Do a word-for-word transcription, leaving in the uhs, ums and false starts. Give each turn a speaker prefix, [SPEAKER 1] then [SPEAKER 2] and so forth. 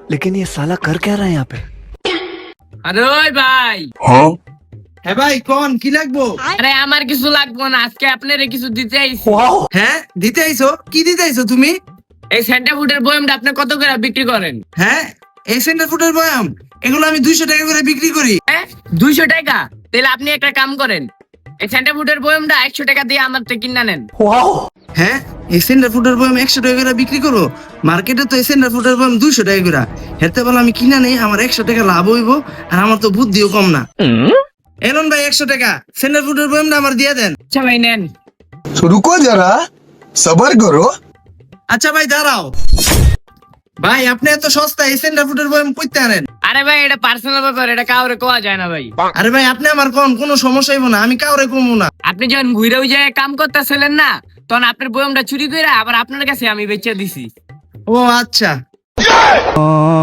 [SPEAKER 1] लेकिन ये साला कर क्या रहा है यहाँ पे?
[SPEAKER 2] আরে ওই ভাই,
[SPEAKER 3] হ্যাঁ ভাই কোন কি লাগবো?
[SPEAKER 2] আরে আমার কিছু লাগবো না, আজকে আপনারে কিছু দিতে আইছি।
[SPEAKER 3] হ্যাঁ দিতে আইছো? কি দিতে আইছো তুমি?
[SPEAKER 2] এই সেন্টা ফুডের বয়ামটা আপনি কত করে বিক্রি করেন?
[SPEAKER 3] হ্যাঁ এই সেন্টার ফুডের বয়াম এগুলো আমি দুইশো টাকা করে বিক্রি করি।
[SPEAKER 2] হ্যাঁ দুইশো টাকা? তাহলে আপনি একটা কাম করেন, এই সেন্টা ফুডের বয়ামটা একশো টাকা দিয়ে আমার থেকে কিনা নেন।
[SPEAKER 3] হ্যাঁ এই সেন্টার ফুডের বয়াম একশো টাকা করে বিক্রি করো? মার্কেটে তো এই সেন্টার ফুডের বয়াম দুইশো টাকা করে। হেতে বলে আমি কিনা নেই, আমার একশো টাকা লাভ হইব, আর আমার তো বুদ্ধিও কম না। এলন ভাই একশো টাকা সেন্টার ফুডের বয়ামটা আমার দিয়ে দেন।
[SPEAKER 2] আচ্ছা ভাই নেন।
[SPEAKER 4] तो रुको जरा सबर करो।
[SPEAKER 3] আচ্ছা ভাই দাঁড়াও, ভাই আপনি এত সস্তা এই সেন্টার ফুডের বয়াম কইতে আনেন?
[SPEAKER 2] আরে ভাই এটা পার্সোনাল ব্যাপার, এটা কাউরে কোয়া যায় না ভাই।
[SPEAKER 3] আরে ভাই আপনি আমার কোন কোনো সমস্যা হইব না, আমি কাউরে কমু না।
[SPEAKER 2] আপনি যখন ঘুরে ওই জায়গায় কাম করতেছিলেন না, তখন আপনার বয়ামটা চুরি করে আবার আপনার কাছে আমি বেচে দিছি।
[SPEAKER 3] ও আচ্ছা।